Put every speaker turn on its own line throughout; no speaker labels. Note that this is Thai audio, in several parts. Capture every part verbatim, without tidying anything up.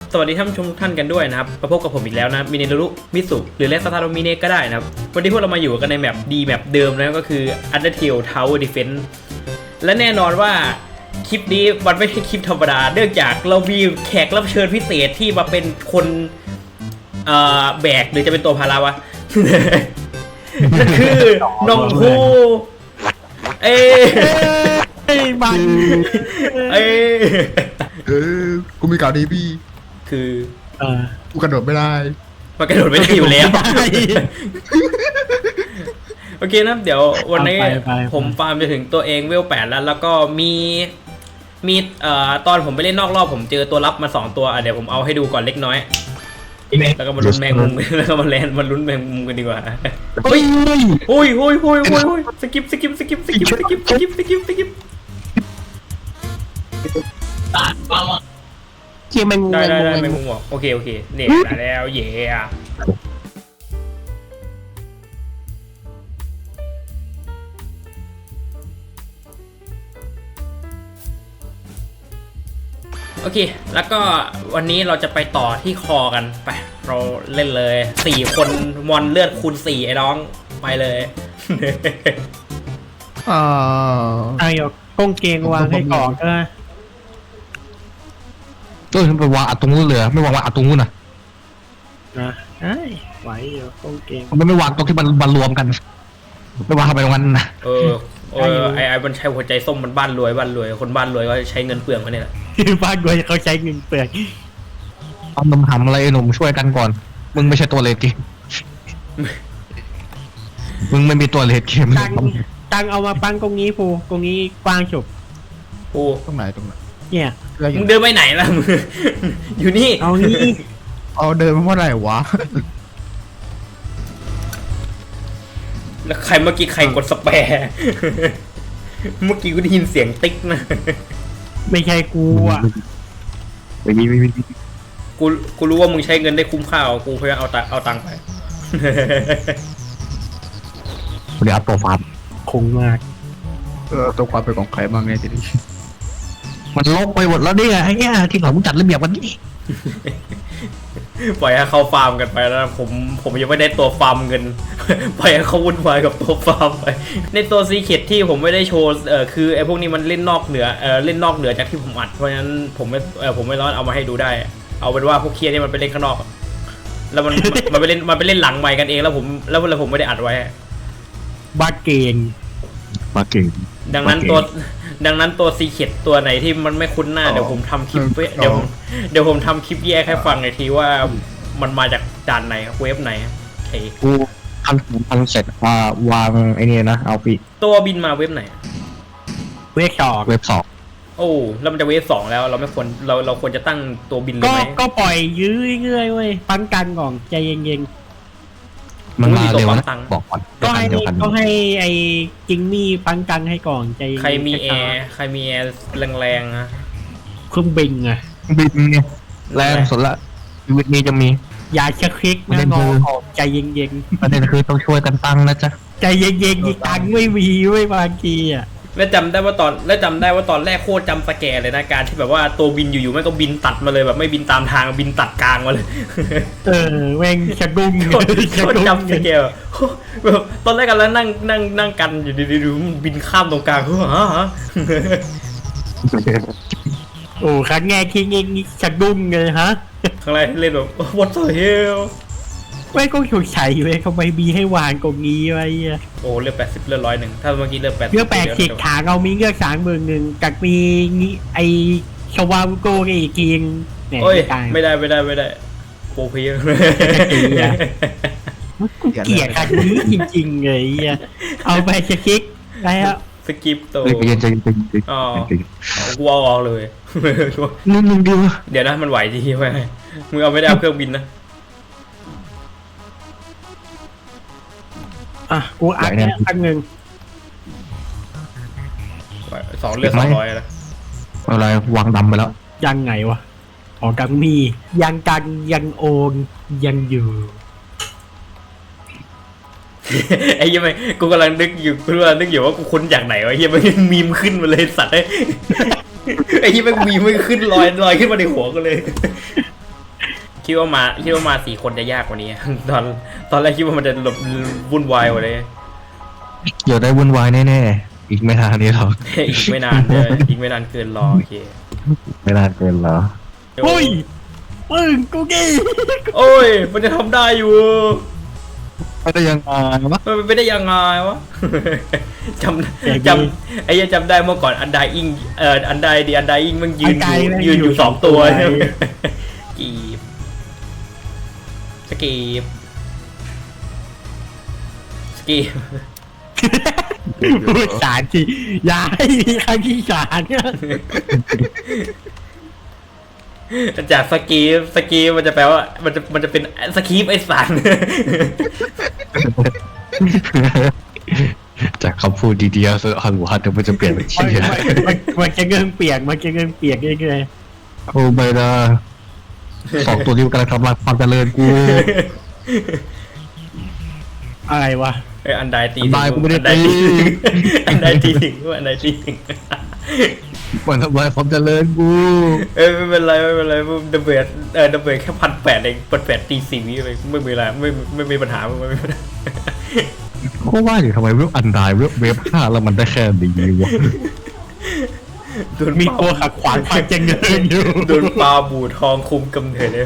สวัสดีท่านผู้ชมทุกท่านกันด้วยนะครับมาพบกับผมอีกแล้วนะมิเนรุมิสุหรือเลสตาโรมิเนก็ได้นะครับวันนี้พวกเรามาอยู่กันในแมปดีแมปเดิมนะก็คือ Undertale Tower Defense และแน่นอนว่าคลิปนี้มันไม่ใช่คลิปธรรมดาเนื่องจากเรามีแขกรับเชิญพิเศษที่มาเป็นคนเอ่อแบกหรือจะเป็นตัวพาราวะ นั่นคือน้องฮูเอ้
เอ้ยมัน
เอ้
เออกูมีข่าวดีพี่
คือ
เออ
กูกระโดดไม่ได้
มันกระโดดไม่ได้อยู่แล้วโอเคนะเดี๋ยววันนี้ผมฟาร์มไปถึงตัวเองเวลแปดแล้วแล้วก็มีมีเอ่อตอนผมไปเล่นนอกรอบผมเจอตัวรับมาสองตัวเดี๋ยวผมเอาให้ดูก่อนเล็กน้อยแล้วก็มาลุ้นแมงมุมแล้วก็มาแลนมาลุ้นแมงมุมกันดีกว่าเฮ้ยโอ้ยโอ้ยโอ้ยโอ้ยโอ้ยสกิปสกิปสกิปสกิปสกิปสกิปสกิปสกิป
เกี่ยแมงมุม
ได้ได้ได้แมงมุมโอเคโอเคเนี่ยได้แล้วเย่โอเคแล้วก็วันนี้เราจะไปต่อที่คอกันไปเราเล่นเลยสี่คนมอนเลือดคูณสี่ไอ้น้องไปเลย
อ่า
ไอ้หยกก้งเกงวางให้ก่อนก็ได้
ก็ฉันไปวางอัดตรงนู้นเลยไม่วางวางอัดตรงนู้นนะ
นะไอ้ไหวอยู่ก้งเกง
มันไม่วางตรงที่มันมันรวมกันไม่วางเข้าไปตรงนั้นนะ
เออเออไอ้ไอ้มันใช้หัวใจส้มมันบ้านรวยบ้านรวยคนบ้านรวยก็ใช้เงินเปลืองเขาเนี่ยแหละ
บ้านรวยเขาใช้เงินเปลือง
เอานมทำอะไรหนุ่มช่วยกันก่อนมึงไม่ใช่ตัวเลดเกมมึงไม่มีตัวเลดเกม
ตังตังเอามาปั้งตรงนี้ฟูตรงนี้กว้างฉุบ
ฟู
ตรงไหนตรงไหน
เนี่ย
มึงเดินไปไหนล่ะมึงอยู่นี่
เอานี่
เอาเดินมาเมื่อไหร่วะ
แล้วใครเมื่อกี้ใครกดสแปร์เมื่อกี้กูได้ยินเสียงติ๊กนะ
ไม่ใช่กูอ่ะ
ไม่มีไม่มี
กูกูรู้ว่ามึงใช้เงินได้คุ้มค่ากูเพื่อเอาตังเอาตังไป
เดี๋ยวอัพตัวฟาร์ม
คงมาก
เออตัวความเป็นของใครบ้างไงทีนี้มันลกไปหมดแล้วเนี่ยไอ้เนี่ยที่เขามึงจัดระเบียบวันนี้
ปล่อยให้เขาฟาร์มกันไปแล้วผมผมยังไม่ได้ตัวฟาร์มเงินปล่อยให้เขาวุ่นวายกับตัวฟาร์มไปในตัวซีเคทที่ผมไม่ได้โชว์เออคือไอ้พวกนี้มันเล่นนอกเหนือเออเล่นนอกเหนือจากที่ผมอัดเพราะฉะนั้นผมไม่เออผมไม่ร้อนเอามาให้ดูได้เอาเป็นว่าพวกเคียร์นี่มันไปเล่นข้างนอกแล้วมันมันไปเล่นมันไปเล่นหลังไมค์กันเองแล้วผมแล้วแล้วผมไม่ได้อัดไว้
บ้าเก่ง
บ้าเก่ง
ดังนั้นตัวดังนั้นตัวซีเคทตัวไหนที่มันไม่คุ้นหน้าเดี๋ยวผมทำคลิปเดี๋ยวผมเดี๋ยวผมทำคลิปแยกให้ฟังหน่อยทีว่ามันมาจากด่านไหนเว็บไหนโอเค
กูทำทำเสร็จว่าวางไอ้นี่นะเอาปี
ตัวบินมาเว็บไหน
เว็บสอง
เว็บสอง
โอ้แล้วมันจะเว็บสองแล้วเราไม่ควรเราเราควรจะตั้งตัวบินเลยไหม
ก็ปล่อยยื้อเงื่อยเว้ยปั้นกันก่อนใจเย็น
ๆมันมาเร็วนะบอกก่อน
ก็ให้ก็ให้ไอ้จิงมี่ปั้นกันให้ก่อนใจ
ใครมีแอร์ใครมีแอร์แรงๆนะ
เครื่องบินอะ
บินเนี่ยแรงสุดละชีวิตนี้จะมี
อย่าชะคลิกนะงอใจเย็น
ๆประเด็นคือต้องช่วยกันตั้งนะจ๊ะ
ใจเย็นๆอีกตังไม่มีไม่บางทีอ่ะ
และจำได้ว่าตอนและจำได้ว่าตอนแรกโคตรจำสแกนเลยนะการที่แบบว่าตัวบินอยู่ๆไม่ก็บินตัดมาเลยแบบไม่บินตามทางบินตัดกลางมาเลย
เออแม่งชะดุ้ง
โคตรจำสแกนแบบตอนแรกกันแล้วนั่งนั่งนั่งกันอยู่ดีๆมันบินข้ามตรงกลางฮะ
โอ้ครั้งแรกที่เงี้ยชะดุ้งเลยฮะ
ครั้งแรกเล่นแบบ what the hell
ไม่ก็ถูกใช้เว้ยเขาไม่มีให้วางตรงนี้ไว้
โอ้เลือกแปดสิบเลือกร้อยหนึ่งถ้าเมื่อกี้เลือกแปด
เลือกแปดสิบขาเรามีเลือกสามหมื่นหนึ่งกับมีไอชวาโกอีกทีน
โอ้ยไม่ได้ไม่ได้ไม่ได้โปรเพีย
เกลียดกันนี้จริงๆเลยเอาไปสกิปแล้ว
สกิปตัวอ๋อกูเอาออกเลย
นุ่มๆดีวะ
เดี๋ยวนะมันไหวจริงไหมมึงเอาไม่ได้เอาเครื่องบินนะ
อ่ะกูอัดเนี่ยอันหนึ่ง
สองเลือดสองร้อยแล้ว
อะไรวางดำไปแล้ว
ยังไงวะอ๋อกังมียังกันยังโอนยังอยู่
ไอ้ยังไงกูกำลังนึกอยู่กูกำลังนึกอยู่ว่ากูคุ้นจากไหนวะเฮียมันมีมขึ้นมาเลยสัตว์ไอ้ไอ้ที่มันมีมไม่ขึ้นลอยลอยขึ้นมาในหัวกูเลยคิดว่ามาคิดว่ามาสี่คนจะยากกว่านี้ ตอนตอนแรกคิดว่ามันจะหลบวุ่นวายกว่าเลย
เดี๋ยวได้วุ่นวายแน่ๆอีกไม่นานนี้หรอก
อีกไม่นานเลยอีกไม่นานเกินรอโอเค
ไม่นานเกินเหรอ
เฮ้ยปึ้งกูกี้
โอ้ยมันจะทำได้อยู่
ไม่ได้ยังไงวะ
มันไม่ได้ยังไงวะ จำจำไอ้ยังจำได้เมื่อก่อนอันไดอิงเอ่ออันไดดีอันไดอิงมันยืนอยู่ยืนอยู่สองตัวกีบสกีบสกีบ
พูดสารทีอย่าให้มีคำที่สารเนี่ย
จากสกีฟสกีฟมันจะแปลว่ามันจะมันจะเป็นสกีฟไอสาร
จากคำพูดดีๆเซอร์ฮัลโหลฮัทเดี๋ยวมันจะเปลี่ยนเป็น
มัน
ชื่อ
มันมันจะเงื่อนเปียกมันจะเงื่อนเปียกเรื่อย
โอ้ไม่นะสองตัวนี้มันกำลังทำลายความเจริญกู
ๆอะไรวะ
ไออันไดตี
อันใดกูไม่ได้ตี
อันไดตีถึงอันไดตีถึง
มันทำลายความเจริญกู
เอ้ยไม่เป็นไรไม่เป็นไรดับเบิลเออดับเบิลแค่พันแปดเองพันแปดตีสี่วิเลยไม่มีอะไรไม่ไม่มีปัญหาไม่มีปัญหา
ก็ว่าอยู่ทำไมเว็บอันไดเว็บเว็บห้าแล้วมันได้แค่ดีวะ
โดน
มี
ปลา
ตัวขัดขวางความเจริญอยู่
โดนปลาบูทองคุมกำเนิดเลย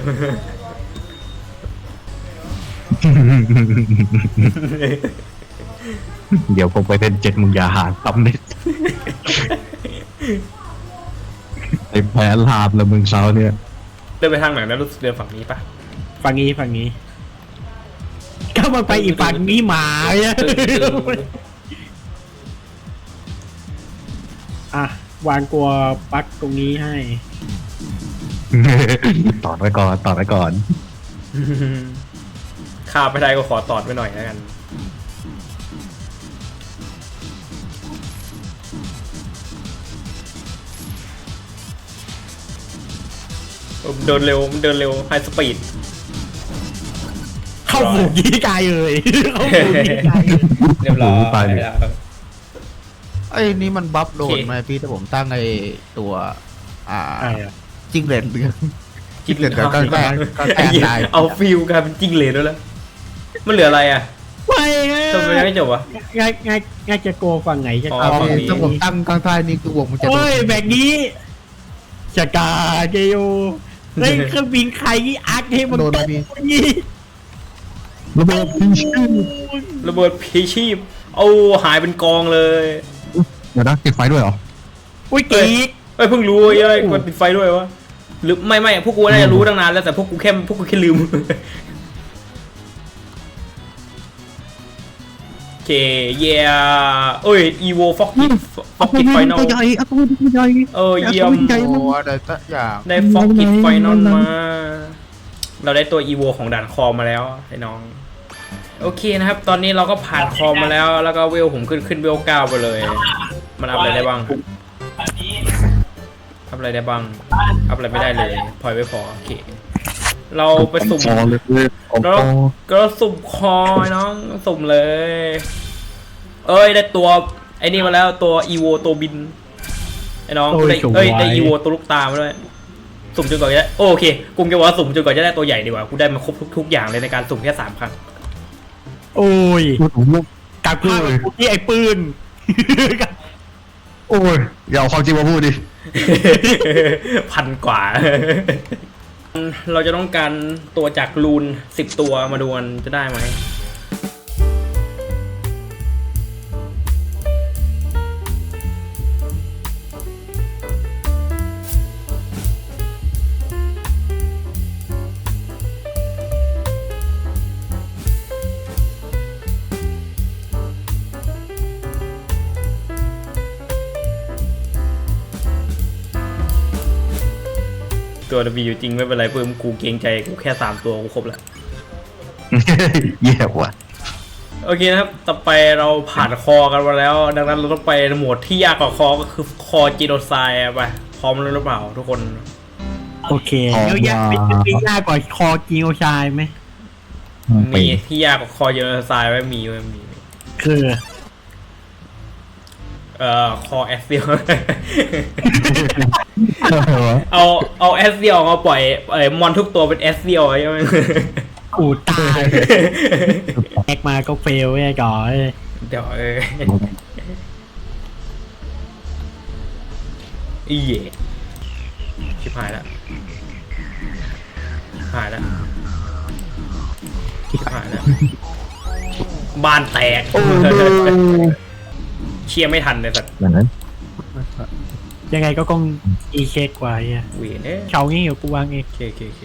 เดี๋ยวผมไปเป็นเจ็ดมึงอย่าหาตำเน็ตไอ้แพ้ลาบแล้วมึงเช้าเนี่ย
เดินไปทางไหนนะรู้สึกเดินฝั่งนี้ปะ
ฝั่งนี้ฝั่งนี้ก็มาไปอีกฝั่งนี้หมาเนี่ยอ่ะวางกลัวปลั๊กตรงนี้ให้
ต่อไว้ก่อนต่อไว้ก่อน
ข้ามไปได้ก็ขอตอดไว้หน่อยแล้วกันเดินเร็วเดินเร็วไฮสปีด
เข้าฝูงยี่กายเลยเข้าฝูงยี่กาย
เรียบร้อย
ตายเลย
แล้ว
ไอ้นี่มันบัฟโด
โอน เค
ไหมพี่ถ้าผมตั้งไอ้ตัว อ่า
อะไรอ่ะ
จิ้งเหลนเรือง
จิ้งเหลน
ก็ก็ก็ก็
ไอ้
แอน
เหี้ย
ได้
เอาฟิลกลายเป็นจิ้งเหลนแล้วแล้วมันเหลืออะไรอ่ะ
ไม่นะ
ทำไมไม่จบวะ
ง่ายง่ายง่ายจะโกฝั่งไหนจะ
อ๋อ
เอา
เอา
ฝั่ง
พี่
นี้
ถ้าผมตั้งข้างใต้นี่คือวงมันจะโด
โอ้
น
ยแบบนี้สกาเกโยเล่นเครื่องบินใครนี่อักให้มัน
โดน
ต
ไหม
ก
พี่
นี่
ระเบิดพีชื่อ
ระเบิดพีชีพเอาหายเป็นกองเลย
เดี๋ยวนะติดไฟด้วยเหรอ
อุ้ยกีก
เอ้ยเพิ่งรู้เอ้ยมันปิดไฟด้วยวะหรือไม่ไม่พวกกูน่าจะรู้ตั้งนานแล้วแต่พวกกูแค่พวกกูแค่ลืม โอเคเย่เอ้ยอีโวฟอกกิฟอกกิไฟนอล
ตัวใหญ่เอาตัวใหญ่
เออเยี่ยม
ใหญ่
โอ้
มาก
อะไรสักอย่าง
ได้ฟอกกิไฟนอลมา เราได้ตัวอีโวของด่านคอมาแล้วไอ้น้อง โอเคนะครับ ตอนนี้เราก็ผ่านคอมาแล้ว แล้วก็เวลผมขึ้นขึ้นเวลเก้าไปเลย มันอัพอะไรได้บ้างอัพอะไรได้บ้างอัพอะไรไม่ได้เลยพอยไม่พอโอเค เราไปสุ่ม
คอเลยเลยผม
เรา
คอ
ก็สุ่มคอไอ้น้องสุ่มเลย เอ้ยได้ตัวไอ้นี่มาแล้วตัวอีโวตัวบินไอ้น้องได้เอ้ยได้อีโวตัวลูกตามาด้วยสุ่มจนกว่าจะได้โอเคกูจะบอกว่าสุ่มจนกว่าจะได้ตัวใหญ่ดีกว่ากูได้มาครบทุกทุกอย่างเลยในการสุ่มแค่สามครั้ง
โอ้ย
พูดถึงลูก
กลับข้าวกูที่ไอ้ปืน
โอ้ยอย่าเอาความจริงมาพูดดิ
พันกว่า เราจะต้องการตัวจากรูนสิบตัวมาดูกันจะได้ไหม ตัวมีอยู่จริงไม่เป็นไรเพิ่มกูเกรงใจกูแค่สามตัวกูครบแล้ว
แย่ว่ะ
โอเคนะครับ ต่อไปเราผ่านคอกันมาแล้ว ดังนั้นเราต้องไปโหมดที่ยากกว่าคอก็คือคอจีโนไซด์ไปพร้อมแล้วหรือเปล่าทุกคน
โอเคแล้วยากเป็นมียากกว่าคอกิโอชายไหม
มีที่ยากกว่าคอจีโนไซด์ไหมมีไหมมี
คือ
เอ่อคอแอสเซียล เอาเอาแอสเซียลมาปล่อยเอ่อมอนทุกตัวเป็นแอสเซียลใช่ไหม
กูตายแอกมาก็เฟลไอ้ก่อน
เดี๋ยวเอออีเย่ชิบหายแล้วชิบหายแล้วชิบหายแล้วบ้านแตกเชียร์ไม่ทันเลยสัตว์
อย่างนั้น
ยังไงก็คงอีเช็คกว่าอ่ะ
เวียนเอ้ย
เฉางี้อยู่กูวางเอง
โอเคโอเคโอเค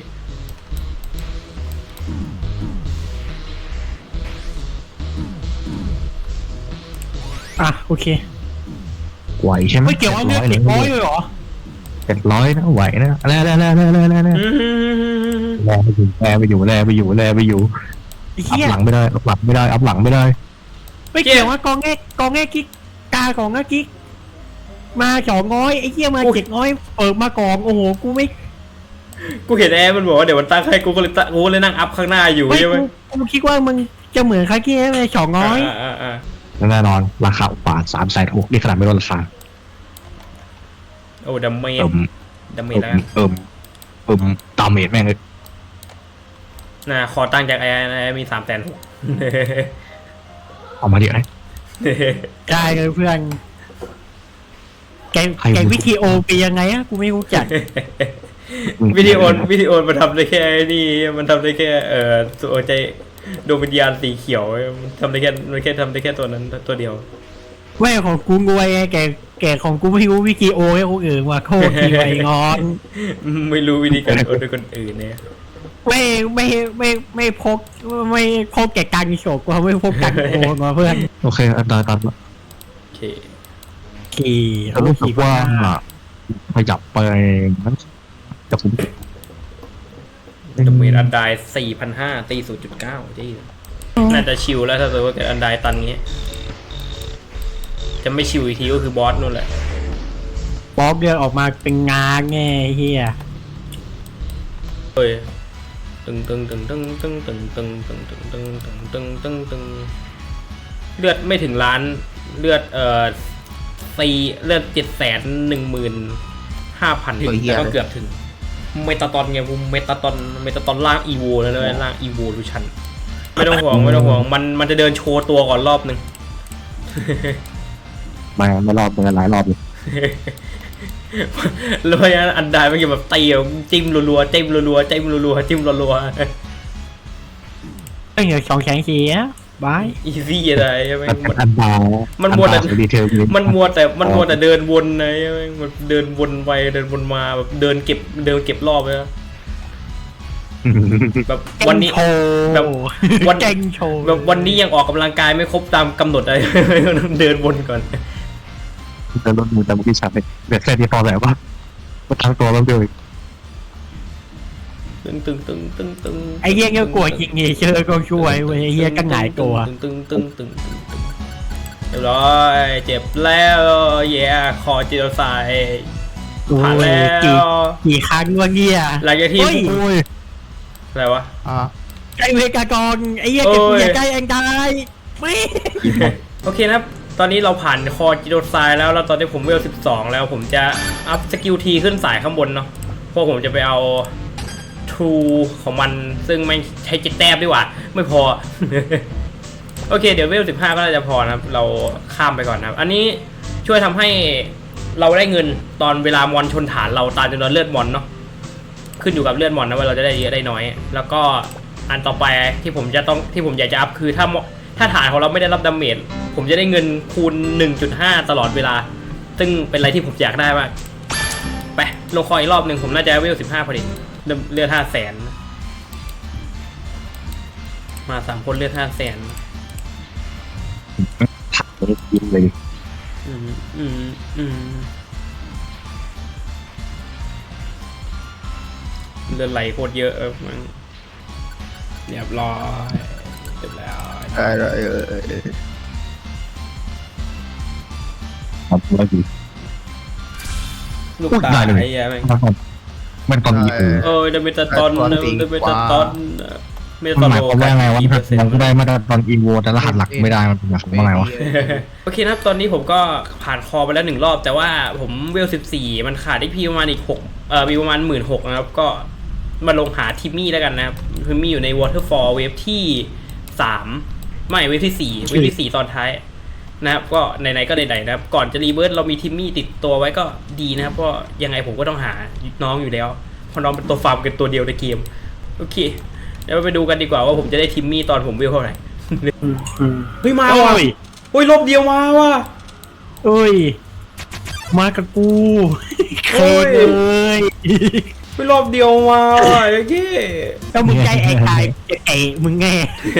อ่ะโอเค
ไหวใช่ไหม
ไม่เกี่ยวว่าเลือกเด็กน้อยเลยเหรอ
เจ็ดร้อยนะไหวนะแล้วแล้วแล้วแล้วแล้วแล้วแล้ว
อืม
แลไปอยู่แลไปอยู่แลไปอยู่แลไปอยู่
ไอ้
อัพ
เหี้ย
หลังไม่ได้อัพหลังไม่ได้อัพหลังไม่ได้
ไม่เกี่ยวว่ากองแง่กองแง่กิ๊กกาของแง่กิ๊กมาสองง้อยไอ้เหี้ยมาเจ็ดง้อยเปิดมากองโอ้โหกูไม่
กูเห็นแอร์มันบอกว่าเดี๋ยวมันตั้งให้กูก็เลยตั้งกูก็เลยนั่งอัพข้างหน้าอยู่
ไม่
ใช่ไหม
กูกูคิดว่ามึงจะเหมือนคากี้ไหมสองง้อย
อ่าอ่าอ่า
แน่นอนราคาอุปาทสามแสนหกนี่ขนาดไม่ลดราคา
โอ้ดัมเมจ
เอิ่ม
ดัมเม
เอิ่
จ
ม
แล้วกัน
เอิ่มเอิ่มดาเมจแม่งเลย
น่ะขอตั้งจากแอร์แอร์มีสามแสนหก
เอามาดิไอ้
ได้เลยเพื่อนแก
ใคร
แกวิธีโอปียังไงอะกูไม่รู้จัก
วิดีโอวิดีโอมันทำได้แค่นี่มันทำได้แค่เอ่อตัวใจดวงวิญญาณสีเขียวมันทำได้แค่มันแค่ทำได้แค่ตัวนั้นตัวเดียว
ไม่ของกูงวยไงแกแกของกูไม่รู้วิธีโอให้คนอื่นว่าโคตรทีไว้งอน
ไม่รู้วิธีการโอนด้วยคนอื่นเนี่ย
ไม่ไม่ไม่ไม่พกไม่พกแกการโฉกว่าไม่พกการโอมาเพื่อน
โอเคอันตรายตันละ
โอเค
ขี่
แต่รู้สึกว่าขยับไปนั้นจะผม
ดัมเมจอันไดสี่พันห้าตีศูนย์จุดเก้าที่น่าจะชิลแล้วถ้าสมมติว่าเกิดอันไดตันเงี้ยจะไม่ชิลอีกทีก็คือบอสนู่นแหละ
บล็อกเดินออกมาเป็นงานไงเฮีย
เฮ้ยตึงตึงตึงตึงตึงตึงตึงตึงตึงตึงตึงตึงตึงตึงเลือดไม่ถึงล้านเลือดเอ่อสี่เลือดเจ็ดแสนหนึ่งหมื่นห้าพันแต่ก็เกือบถึงเมตาตอนไงผมเมตาตอนเมตาตอนล่างอีโวแล้วเลยล่างอีโวลูชันไม่ต้องห่วงไม่ต้องห่วงมันมันจะเดินโชว์ตัวก่อนรอบหนึ่ง
มาไม่รอบเป็นหลายรอบเลย
แล้วพยาอันใดมันเกี่ยวแบบตีจิ้มรัวๆจิ้มรัวๆจิ้มรัวๆจิ้มรัว
เอ้ยสองแสนสี่อะบาย
ๆอีซี่อะไรใช่ไหม
มันอันดา
มันมัวแต่
ดีเทล
มันมัวแต่มันมัวแต่เดินวนไงใช่ไหมมันเดินวนไปเดินวนมาแบบเดินเก็บเดินเก็บรอบเลยนะแบบวันนี้
โชว์
แบบวัน
เก่งโชว์
แบบวันนี้ยังออกกำลังกายไม่ครบตามกำหนดอะไร ต้องเดินวนก่อน
แต่รถมือแต่บุกี้ชาเป็นแบบแค่ที่พอแล้วว่าก็ทั้งตัวแล้วเดียว
ตึงตึงตึงตึงตึง
ไอ้เหี้ยก็กลัวจริงไงเชื่อก็ช่วยเว้ยไอ้เหี้ยก็หงายตัว
ตึงตึงตึงตึงตึงตึงเรียบร้อยเจ็บแล้วแย่คอจิโรไซผ่านแล้ว
กี่กี่ครั้งวะเนี่ย
หลังจากที่
เฮ้ย
โอ้ย
อะไรวะ
อ่า
ไอ้เวกากรไอ้เหี้ยเก็บ
โอ้ย
เหี้ยใกล้เองตายไม่
โอเคนะครับตอนนี้เราผ่านคอจิโรไซแล้วแล้วตอนนี้ผมเวลสิบสองแล้วผมจะอัพสกิลทีขึ้นสายข้างบนเนาะเพราะผมจะไปเอาทูของมันซึ่งไม่ใช้เจ็ดแต้มดีกว่าไม่พอ โอเคเดี๋ยวเวลสิบห้าก็น่าจะพอนะครับเราข้ามไปก่อนนะครับอันนี้ช่วยทำให้เราได้เงินตอนเวลามอนชนฐานเราตามจำนวนเลือดมอนเนาะขึ้นอยู่กับเลือดมอนนะว่าเราจะได้เยอะได้น้อย แล้วก็อันต่อไปที่ผมจะต้องที่ผมอยากจะอัพคือถ้าถ้าฐานของเราไม่ได้รับดาเมจผมจะได้เงินคูณ หนึ่งจุดห้า ตลอดเวลาซึ่งเป็นอะไรที่ผมอยากได้มากไปลงคอยอีกรอบหนึ่งผมน่าจะเวลสิบห้าพอดีเลือดห้าแสนมาสามคนเลือดห้าแสน
ถักเลยยิ้มเลย
อืมอืมอืมเลือดไหลโคตรเยอะเออมันเรียบร้อยเสร็จแล้ว
ได้ได้เออเออเออ
ครับแล้วดี
ลูก
พูด
ตา
ได้เลย
ไอ้เหี้ยแม่ง
มันตอนนี้เออ
เออเดเมตาตอนเดเมตาตอนเม
มั
ตาน
ห
โล
มายความว่าไงวะมันก็ได้มาตรฐานอีโวแต่รหัสหลักไม่ได้มันหมายความว่าไงวะ
โอเคนะครับตอนนี้ผมก็ผ่านคอไปแล้วหนึ่งรอบ แต่ว่าผมเวลสิบสี่มันขาดได้พีประมาณอีกหกเอ่อมีประมาณหมื่นหกนะครับก็มาลงหาทิมมี่แล้วกันนะครับทิมมี่อยู่ใน Waterfall เวฟที่สามไม่เวฟที่สี่เวฟที่สี่ตอนท้ายนะครับก็ไหนๆก็ไหนๆนะครับก่อนจะรีเวิร์สเรามีทิมมี่ติดตัวไว้ก็ดีนะครับเพราะยังไงผมก็ต้องหาน้องอยู่แล้วเพราะน้องเป็นตัวฟาร์มกันตัวเดียวในเกมโอเคเดี๋ยวไปดูกันดีกว่าว่าผมจะได้ทิมมี่ตอนผมเวลเท่าไหร่เฮ้ยมา
โอ้
ว่ะ
ย
โอ้ยรอบเดียวมาว่ะ
เอ้ยมากับกู
โอ้
เค
ย
เลย
ไปรอบเดียวมาว่ะโอเค
แล้วมึงใจไอ้ตายไอ้มึงแง่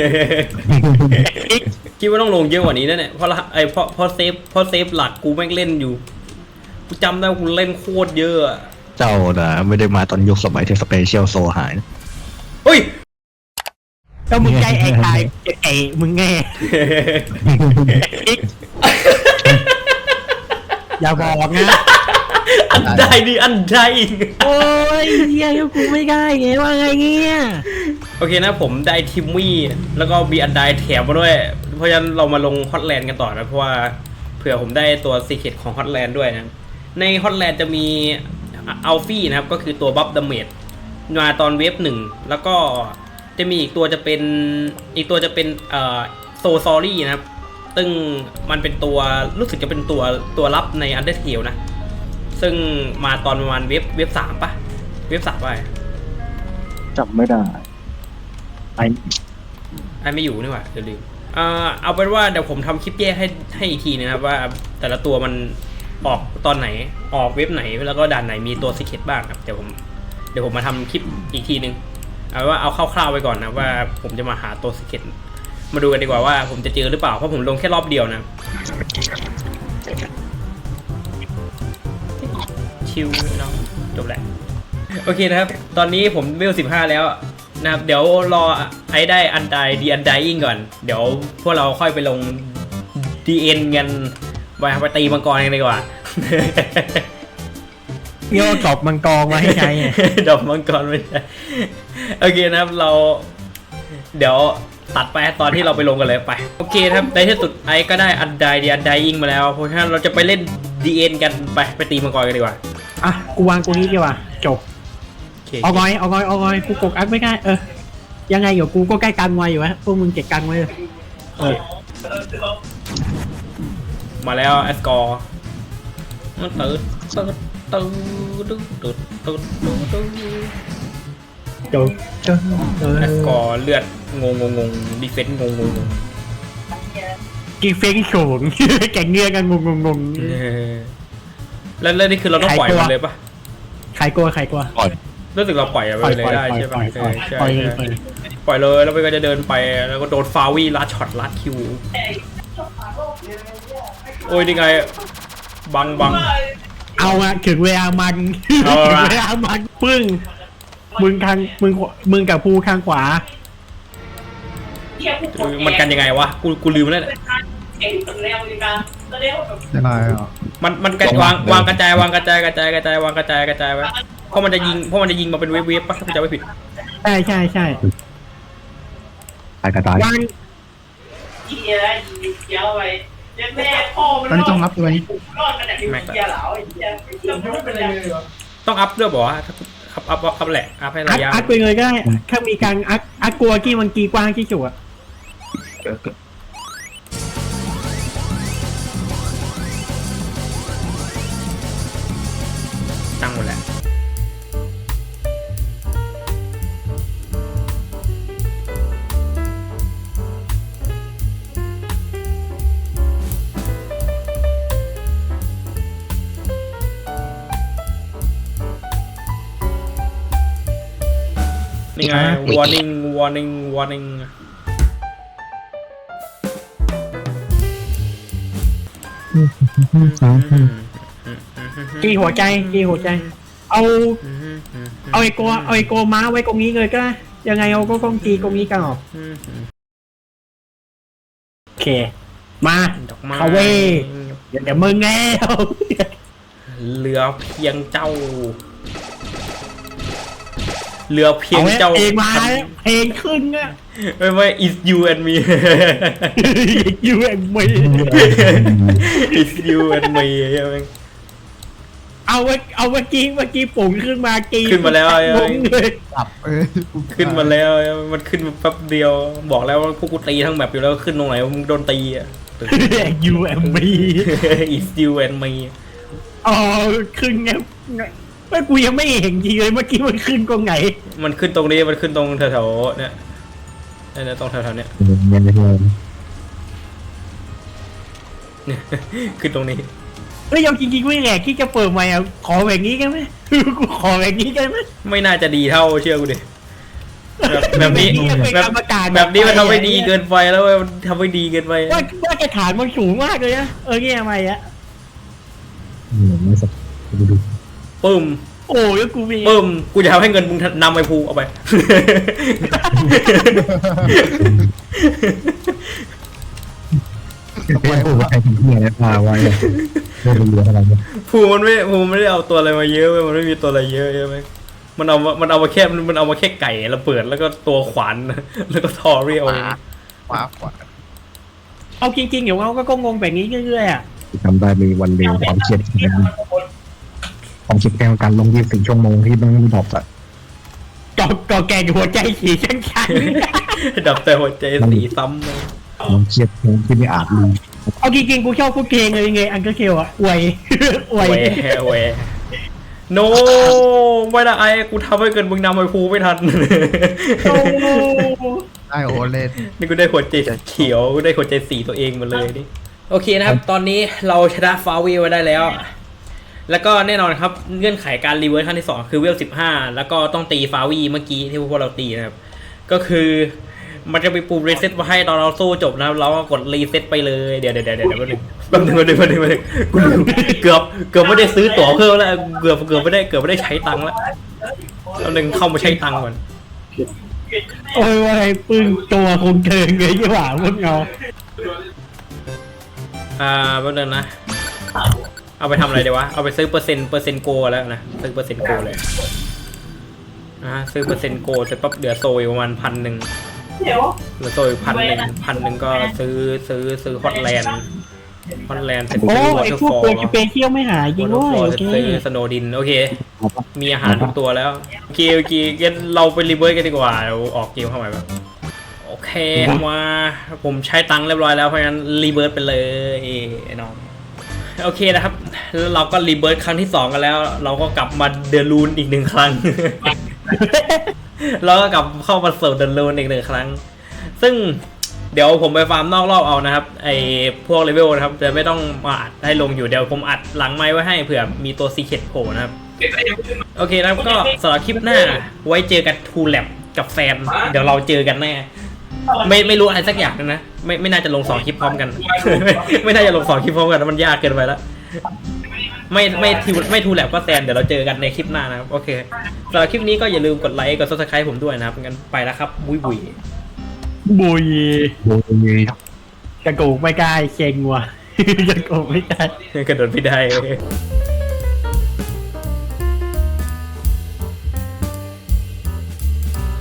คิดว่าต้องลงเยอะกว่านี้นะเนี่ยเพราะละไอเพราะเพราะเซฟเพราะเซฟหลักกูแม่งเล่นอยู่กูจำได้ว่ากูเล่นโคตรเยอะอะ
เจ้าน่ะไม่ได้มาตอนยุคสมัยที่สเปเชียลโซหายนะ
เฮ้ย
แล้วมึงใจไอ้ตายไอ้มึงแง่อย่าบอกนะ
อันใดดิอันใด
โอ้ยเฮียกูไม่ได้ไงว่าไงเงี้ย
โอเคนะผมได้ทิมมี่แล้วก็มีอันใดแถมมาด้วย เพราะฉะนั้นเรามาลงฮอตแลนด์กันต่อนะเพราะว่าเผื่อผมได้ตัวซีเคร็ตของฮอตแลนด์ด้วยนะในฮอตแลนด์จะมีอัลฟี่นะครับก็คือตัวบัฟดาเมจมาตอนเวฟหนึ่งแล้วก็จะมีอีกตัวจะเป็นอีกตัวจะเป็นเอ่อโซซอรี่นะครับซึ่งมันเป็นตัวรู้สึกจะเป็นตัวตัวรับใน Undertale นะซึ่งมาตอนประมาณเวฟเวฟสามปะเวฟสามไป
จำไม่ได้ไอ้
ไอ้ไม่อยู่นี่หว่าเดี๋ยวลืมเอ่อเอาเป็นว่าเดี๋ยวผมทำคลิปแยกให้ให้อีกทีนะครับว่าแต่ละตัวมันออกตอนไหนออกเว็บไหนแล้วก็ด่านไหนมีตัวซีเคร็ตบ้างครับเดี๋ยวผมเดี๋ยวผมมาทำคลิปอีกทีนึงเอาว่าเอาคร่าวๆไปก่อนนะว่าผมจะมาหาตัวซีเคร็ตมาดูกันดีกว่าว่าผมจะเจอหรือเปล่าเพราะผมลงแค่รอบเดียวนะชิวเนาะจบแหละโอเคนะครับตอนนี้ผมเวลสิบห้าแล้วนะครับเดี๋ยวรอไอ้ได้อันไดดีอันไดอิงก่อนเดี๋ยวพวกเราค่อยไปลง ดี เอ็น กันไปไปตีมังกรกันดีกว่า
โยกบมังกรมาให้ใช้ไง
ดอกมังกรไม่ใช่โอเคนะครับเราเดี๋ยวตัดไปตอนที่เราไปลงกันเลยไปโอเคครับในที่สุดไอ้ก็ได้อันไดดีอันไดอิงมาแล้วเพราะฉะนั้นเราจะไปเล่น ดี เอ็น กันไปไปตีมังกรกันดีกว่า
อ่ะกูวางกูนี้ดีกว่าจบ
โอเค
เอางอยเอางอยเอางอยกูกกอักไม่ได้เออยังไงเดี๋ยวกูก็ใกล้กันไวอยู่วะพวกมึงเก็บกันไว้เลยเออ
มาแล้วแอสกอร์มันตื่นตื่นตื่นตื่นตื่นตื่นตื่น
จบจบเออ
แอสกอร์เลือดงงงงดีเฟนส์งงงงง
กีเฟงโฉง แก่งเงื่อกันงงงง
เออแล้วแล้วนี่คือเราต้องปล่อยมันเลยปะ
ใครกลัวใครกลัว
ก่อน
รู้สึกเราปล่อยมัน
ปล่อย
เลย
ปล่อย
ได้
ปล่อย
ใช่
ปล่
ปะ
อย
เอ
ปล่อย
อใช่
ปล่อยเลย
ใช่
ปล่อยเลย
ปล่อยเลยแล้วมันก็จะเดินไปแล้วก็โดนฟาวี่ลัดช็อตลัดคิวโอ้ยนี่ไงบังบัง
เอาอะถึงเวลามัน
เอา
ถึง
ละ
เวลามันปึ้งมึงทางมึงมึงกับภูข้างขวา
มันกันยังไงวะกูกูลืมแล้วเนี่ย
ได้ไรอ่ะ
มันมันกระวางวางกระจายวางกระจายกระจายกระจายวางกระจายกระจายไว้เพราะมันจะยิงเพราะมันจะยิงมาเป็นเวฟเวฟปะถ้าผมจำไม่ผิด
ใช่ใช่ใช่
ตายกระตายว
าง
ตอนนี้ต้องรับตัวนี้
ต้องอัพด้วยบอกว่าอัพอัพอัพแหละอัพให้
อั
ระ
ก
ยะ
อักไปเลยก็ได้ถ้ามีการอักอักกลัวกี้มันกีกว้างที่สุดอะ
ตั้งหมดแหละนี่ไง warning warning warning
กีหัวใจกีหัวใจ เอาเอาไอโกเอาไอโกม้าไว้ตรงนี้เลยก็ได้ยังไงเอาก็ต้องกีตรงนี้กันออกโอเคมา
ดอกไม้
เขาเว้ยเดี๋ยวเดี๋ยวมึงแง่
เหลือเพียงเจ้าเหลือเพียง
เอา
เจ้า
เพลงมาเพลงขึ้นอะ
ไม่ไม่ is you and me
ยูเอ็มไม่
is you and me ใช่ไหม
เอาเมื่อเอาเมื่อกี้เมื่อกี้ปุ่งขึ้นมากี
ขึ้นมาแล้ว
งงเลย
ตับเอ้ย
ขึ้นมาแล้วมันขึ้นมาแป๊บเดียวบอกแล้วว่าพวกกูตีทั้งแบบอยู่แล้วขึ้นตรงไหนมึงโดนตีอ่ะ
ยูเอ็มบี
is you and me
อ๋อขึ้นไงไม่กูยังไม่เห็นจริงเลยเมื่อกี้มันขึ้นตรงไหน
มันขึ้นตรงนี้มันขึ้นตรงแถวๆเนี่ยเนี่ยตรงแถวๆเนี่ย
ยังไม่เห็น
ขึ้นตรงนี้
เฮ้ยเอาจริงๆไม่แหลกที่จะเปิดใหม่อ่ะขอแบบนี้กันไหมกูขอแบบนี้กันไหม
ไม่น่าจะดีเท่าเชื่อกูดิแบบแบบนี้
เป็น
แบบ
กรรมการ
แบบนี้มันทำไม่ดีเกินไปแล้วเว้ยมันทำไม่ดีเกินไป
ว่าว่าจะฐานมันสูงมากเลยนะเออเนี่ยทำไมอะ
ไม่สักดูดู
ปึ้ม
โอ้ยกูมี
ปึ้มกูจะทำให้เงินมึงนำไปภูเอาไป
ไม่โอ้ใครถึงที่ไหนพาไว้ไม่รู้เรื่องอะไรเนี่ย
ภูมันไม่ภูมันไม่ได้เอาตัวอะไรมาเยอะเว้ยมันไม่มีตัวอะไรเยอะใช่ไหมมันเอามามันเอามาแค่มันเอามาแค่ไก่ระเบิดแล้วก็ตัวขวาน แล้วก็ทอเรียว
ขวาขวา
เอาจริงๆเดี๋ยวเราก็งงแบบนี้เรื่อยๆอ่ะ
จำได้มีวันเดียวความเครียดความคิดแค่การลงยี่สิบชั่วโมงที่ต้องดรอปอะ
ก่อก่อแกงหัวใจสีชันชัน
ดับแต่หัวใจสีซ้ำเลย
ความเครียดที่ไม่อาจรู้
เอาจริงๆกูชอบพูดเพลงเลยไงอันก็เคียวอ่ะอวย อวย
แหวแหวโนไม่ได้ไอ้กูทำให้เกินมึงนำไปภูไม่ทัน
โอ้
ได้โอเล่น
นี่กูได้หัวใจเขียวกูได้หัวใจสีตัวเองมาเลยนี่โอเคนะครับ ตอนนี้เราชนะฟาวีไว้ได้แล้ว แล้วก็แน่นอนครับเงื่อนไขการรีเวิร์สขั้นที่สองคือเวลสิบห้าแล้วก็ต้องตีฟาวีเมื่อกี้ที่พวกเราตีนะครับ ก็คือมันจะมีปุ่มรีเซ็ตมาให้ตอนเราสู้จบนะครับเราก็กดรีเซ็ตไปเลยเดี๋ยวเดี๋ยวเดี๋ยวเดี๋ยวแป๊บนึงแป๊บนึงแป๊บนึงแป๊บนึงกูลืมเกือบเกือบไม่ได้ซื้อตั๋วเพิ่มแล้วเกือบเกือบไม่ได้เกือบไม่ได้ใช้ตังค์แล้วแป๊บนึงเข้ามาใช้ตังค์ก่อน
โอ้ยว่าไอ้ปึ้งตัวคงเกินเลยยี่หว่าพวกเรา
อ่าแป๊บนึงนะเอาไปทำอะไรดีวะเอาไปซื้อเปอร์เซ็นต์เปอร์เซ็นต์โกแล้วนะซื้อเปอร์เซ็นต์โกเลยอ่าซื้อเปอร์เซ็นต์โกเสร็จปั๊บเหลือโซยประมาณพันหนึ่งเหลือโซยพันหนึ่งพันหนึ่งก็ซื้อซื้อซื้อฮอตแลนด์ฮอตแลนด์เสร็จ
โอ้
ซื้อวอ
ไอ้
เตอร์
พวก
ฟอ
ตัว
ล
จะเป็นเที่ยวไม่หายจริง
วอเตอ
ด้
ร์
วย
ฟอล
โอเค
ซื้อสโนดินโอเคมีอาหารทุกตัวแล้วโอเคโอเคงั้นเราไปรีเวิร์สกันดีกว่าเราออกเกมเข้ามาแบบโอเคมาผมใช้ตังค์เรียบร้อยแล้วเพราะงั้นรีเวิร์สไปเลยไอ้น้องโอเคนะครับแล้วเราก็รีเบิร์ตครั้งที่สองกันแล้ว เราก็กลับมาเดลูนอีกหนึ่งครั้ง เราก็กลับเข้ามาเสิร์ฟเดลูนอีกหนึ่งครั้ง ซึ่งเดี๋ยวผมไปฟาร์มนอกรอบเอานะครับไอพวกเลเวลนะครับจะไม่ต้องมาอัดให้ลงอยู่เดี๋ยวผมอัดหลังไม้ไว้ให้เผื่อมีตัวซีเคทโผล่นะครับโอเคนะครับก็สำหรับคลิปหน้าไว้เจอกันทูแลบกับแฟนเดี๋ยวเราเจอกันแน่ไม่ไม่รู้อะไรสักอย่างนึงนะไม่ไม่น่าจะลงสองคลิปพร้อมกัน ไม่ไม่น่าจะลงสองคลิปพร้อมกันมันยากเกินไปแล้วไม่ไม่ทูไม่ทูแลบก็แซนเดี๋ยวเราเจอกันในคลิปหน้านะครับโอเคสำหรับคลิปนี้ก็อย่าลืมกดไลค์กดซับสไครป์ผมด้วยนะครับงั้นไปแล้วครับบุยบุย
บุย
โดนเลย
กระโกกไม่กล้าเชงว่ะ กระโกกไม่กล้า
กระโดดไม่ได้